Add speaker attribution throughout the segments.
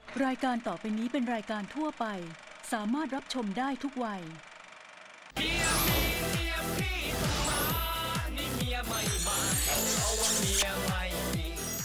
Speaker 1: รายการต่อไปนี้เป็นรายการทั่วไปสามารถรับชมได้ทุกวัยเมียพี่ต้องมานี่เมียไม่มาเอาว่าเมียไม่มี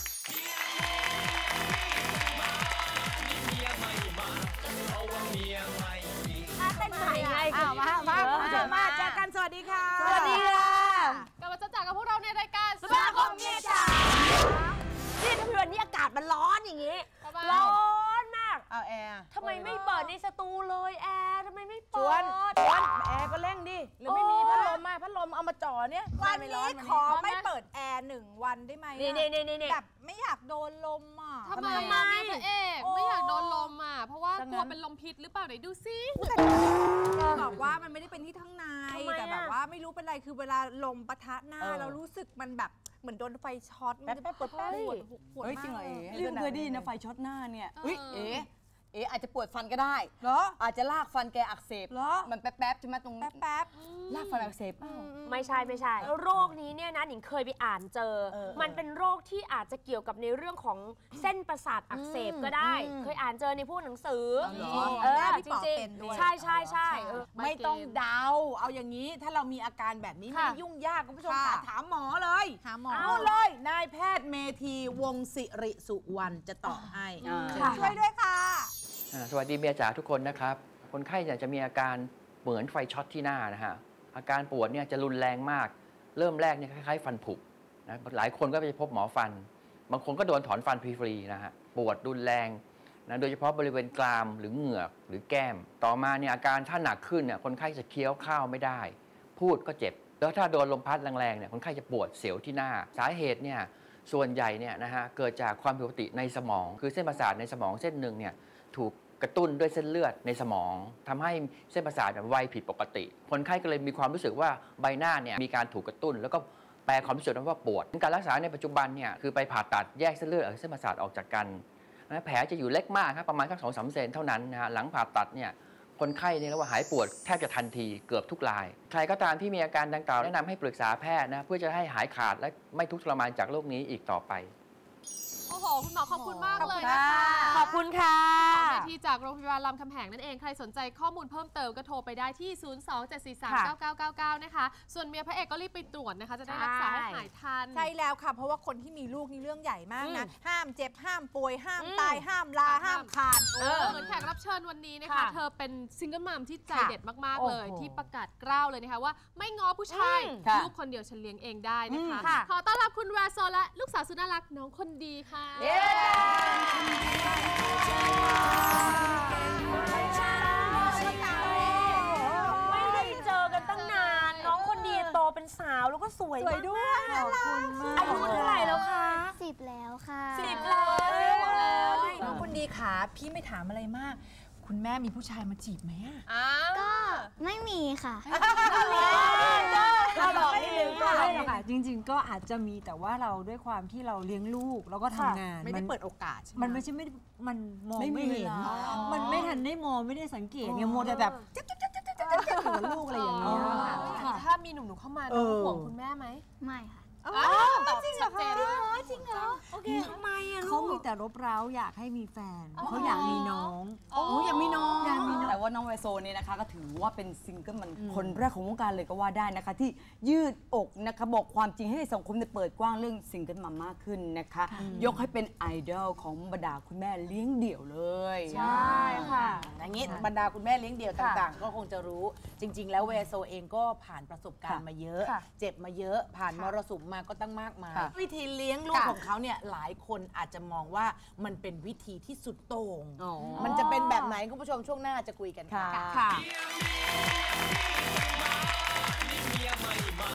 Speaker 1: เมียไม่มาเอาว่าเมียไม่มี
Speaker 2: เต้นใหม่ไง
Speaker 3: มาเจอกันสวัสดีค่ะ
Speaker 2: สวัสดีค่ะ
Speaker 4: กลับมาเจอกับพวกเราในรายการ
Speaker 2: สมาคมเมียจ๋านี่ถ้าวันนี้อากาศมันร้อนอย่างงี้ร้อนมาก
Speaker 3: เอาแอร์
Speaker 2: ทำไมไม่เปิดในสตูเลยแอร์ทำไมไม่เปิด
Speaker 3: แอร์ก็เร่งดิหรือไม่มีพัดลมมาพัดลมเอามาจ่อเนี่ย
Speaker 5: วันนี้ขอไม่เปิดแอร์1 วันได้ไหม
Speaker 2: นี่
Speaker 5: แบบไม่อยากโดนลมอ่ะ
Speaker 4: ทำไมพระเอกไม่อยากโดนลมอ่ะเพราะว่ากลัวเป็นลมพิษหรือเปล่าไหนดูซิ
Speaker 5: บอกว่ามันไม่ได้เป็นที่ข้างในแต่แบบว่าไม่รู้เป็นไรคือเวลาลมปะทะหน้าเรารู้สึกมันแบบเหมือนโดนไฟช็อตมันจะปวดมาก
Speaker 3: จริงเหรอ
Speaker 6: เรื่องเคยได้ยินนะไฟช็อตหน้าเนี่ยอาจจะปวดฟันก็ได้
Speaker 5: เหรอ
Speaker 6: อาจจะลากฟันแกอักเสบ
Speaker 5: เหรอ
Speaker 6: มันแป๊บๆใช่ไหมตรง
Speaker 5: แป๊บ
Speaker 6: ลากฟันอักเสบ
Speaker 2: ไม่ใช่โรคนี้เนี่ยนะหนิงเคยไปอ่านเจอมันเป็นโรคที่อาจจะเกี่ยวกับในเรื่องของเส้นประสาทอักเสบก็ได้เคยอ่านเจอในพวกหนังสือ
Speaker 5: จริง
Speaker 2: ๆใช่
Speaker 3: ไม่ต้องเดาเอาอย่างนี้ถ้าเรามีอาการแบบนี้ไม่ยุ่งยากคุณผู้ชมถามหมอเลยเอาเลยนายแพทย์เมธีวงศิริสุวรรณจะตอบให้
Speaker 5: ช่วยด้วยค่ะ
Speaker 7: สวัสดีเมียจ๋าทุกคนนะครับคนไข้เนี่ยจะมีอาการเหมือนไฟช็อตที่หน้านะฮะอาการปวดเนี่ยจะรุนแรงมากเริ่มแรกเนี่ยคล้ายๆฟันผุนะหลายคนก็ไปพบหมอฟันบางคนก็โดนถอนฟันฟรีๆนะฮะปวดรุนแรงนะโดยเฉพาะบริเวณกรามหรือเหงือกหรือแก้มต่อมาเนี่ยอาการถ้าหนักขึ้นเนี่ยคนไข้จะเคี้ยวข้าวไม่ได้พูดก็เจ็บแล้วถ้าโดนลมพัดแรงๆเนี่ยคนไข้จะปวดเสียวที่หน้าสาเหตุเนี่ยส่วนใหญ่เนี่ยนะฮะเกิดจากความผิดปกติในสมองคือเส้นประสาทในสมองเส้นหนึ่งเนี่ยถูกกระตุ้นด้วยเส้นเลือดในสมองทำให้เส้นประสาทไวผิดปกติคนไข้ก็เลยมีความรู้สึกว่าใบหน้าเนี่ยมีการถูกกระตุ้นแล้วก็แปลความรู้สึกนั้นว่าปวดการรักษาในปัจจุบันเนี่ยคือไปผ่าตัดแยกเส้นเลือดกับเส้นประสาทออกจากกันแผลจะอยู่เล็กมากครับประมาณสัก2-3 เซนเท่านั้นนะฮะหลังผ่าตัดเนี่ยคนไข้เนี่ยเรียกว่าหายปวดแทบจะทันทีเกือบทุกรายใครก็ตามที่มีอาการดังกล่าวแนะนำให้ปรึกษาแพทย์นะเพื่อจะให้หายขาดและไม่ทุกข์ทรมานจากโรคนี้อีกต่อไป
Speaker 4: โอ้โหคุณหมอขอบคุณมากเลยนะคะ
Speaker 2: ขอบคุณค่ะ
Speaker 4: เวทีจากโรงพยาบาลรามคำแหงนั่นเองใครสนใจข้อมูลเพิ่มเติมก็โทรไปได้ที่ 027439999 นะคะส่วนเมียพระเอกก็รีบไปตรวจนะคะจะได้รักษาให้หายทัน
Speaker 5: ใช่แล้วค่ะเพราะว่าคนที่มีลูกนี่เรื่องใหญ่มากนะห้ามเจ็บห้ามป่วยห้ามตายห้ามลาห้ามขาด
Speaker 4: เหมือนแขกรับเชิญวันนี้นะคะเธอเป็นซิงเกิลมัมที่ใจเด็ดมากๆเลยที่ประกาศกล้าวเลยนะคะว่าไม่ง้อผู้ชายลูกคนเดียวฉันเลี้ยงเองได้นะคะขอต้อนรับคุณแวร์โซและลูกสาวสุดน่ารักน้องคนดีค่ะ
Speaker 2: ไม่ได้เจอกันตั้งนานน้องคนดีโตเป็นสาวแล้วก็สวย
Speaker 5: ด้วยขอบคุณมาก
Speaker 2: อายุเท่าไหร่แล้วคะ
Speaker 8: 10 แล้วค่ะ
Speaker 2: 10 แล้ว
Speaker 5: น้องคนดีค่ะพี่ไม่ถามอะไรมากคุณแม่มีผู้ชายมาจีบไหม
Speaker 8: ก็ไม่มีค่ะ
Speaker 2: เราบอกนิดนึง
Speaker 6: ก็ไม่หรอกค่ะจริงๆก็อาจจะมีแต่ว่าเราด้วยความที่เราเลี้ยงลูกแล้วก็ทำงาน
Speaker 5: ไม่ได้เปิดโอกาสใช่ไหม
Speaker 6: มันไม่ใช่มันมองไม่เห็นมันไม่ทันได้มองไม่ได้สังเกตไงโมแต่แบบหัวลูกอะไรอย่างเงี้ย
Speaker 4: ถ้ามีหนุ่มๆเข้ามาน้องห่วงคุณแม่ไหม
Speaker 8: ไม่ค่ะ
Speaker 5: จริงเหรอคะ
Speaker 8: จริงเหรอ
Speaker 2: โอเคทำไมอะ
Speaker 6: เขามีแต่รบเร้าอยากให้มีแฟนเขาอยากมีน้อง
Speaker 3: อยากมีน้องแต่ว่าน้องไวโซเนี่ยนะคะก็ถือว่าเป็นซิงเกิลมันคนแรกของวงการเลยก็ว่าได้นะคะที่ยืดอกนะคะบอกความจริงให้สังคมเปิดกว้างเรื่องซิงเกิลมัมมากขึ้นนะคะยกให้เป็นไอดอลของบรรดาคุณแม่เลี้ยงเดี่ยวเลย
Speaker 2: ใช่ค่ะ
Speaker 3: อย่างนี้บรรดาคุณแม่เลี้ยงเดี่ยวต่างๆก็คงจะรู้จริงๆแล้วไวโซเองก็ผ่านประสบการณ์มาเยอะเจ็บมาเยอะผ่านมรสุมมาก็ตั้งมากมายวิธีเลี้ยงลูกของเขาเนี่ยหลายคนอาจจะมองว่ามันเป็นวิธีที่สุดโต่งมันจะเป็นแบบไหนคุณผู้ชมช่วงหน้าจะคุยกันค่ะ